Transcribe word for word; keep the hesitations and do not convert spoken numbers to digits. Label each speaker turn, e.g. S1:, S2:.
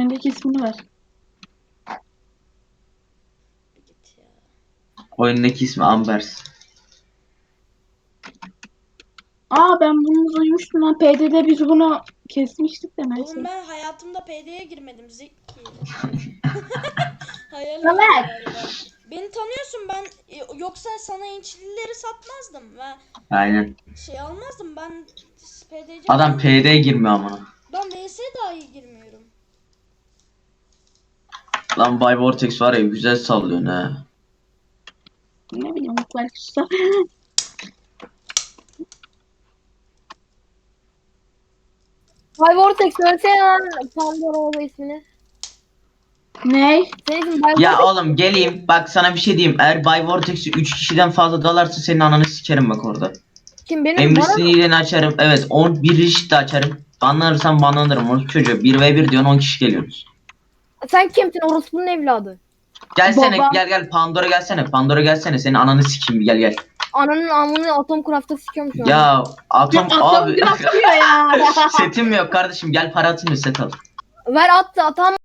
S1: oyundaki ismini ver.
S2: Git ya.
S3: Oyundaki ismi Ambers.
S1: Aa ben bunu duymuştum lan. P D'de biz bunu kesmiştik de neyse.
S2: Oğlum ben hayatımda P D'ye girmedim Zeki. Hayal
S1: Samet.
S2: galiba. Beni tanıyorsun ben e, yoksa sana inçlileri satmazdım ve
S3: Aynen.
S2: şey almazdım ben P D C.
S3: Adam P D'ye girmiyor amına.
S2: Ben V S'ye dahi girmiyorum.
S3: Lan Bay Vortex var ya güzel sallıyor ne.
S1: Ne bileyim belki susar.
S4: Bay Vortex söylesene lan Pandora ismini.
S1: Ne?
S4: Senin ismin Bay
S3: Ya
S4: Vortex.
S3: oğlum geleyim bak sana bir şey diyeyim. Eğer Bay Vortex'i üç kişiden fazla dalarsa senin ananı sikerim bak orada.
S4: Kim benim?
S3: Emrisini
S4: Bana
S3: iyiliğini açarım. Evet on bir risk de açarım. Banlanırsam banlanırım. Onu çocuğa bir ve bir diyorsun on kişi geliyorsunuz.
S4: sen kimsin? Orospu'nun evladı.
S3: Gelsene
S1: Baba.
S3: gel gel Pandora gelsene. Pandora gelsene senin ananı sikeyim gel gel.
S4: Ananın amını Atom Craft'ta sikiyorum şu an.
S3: Ya atom
S1: Atom
S3: abi
S1: craft diyor ya.
S3: setim yok kardeşim gel para atayım da set al.
S4: Ver at da atam.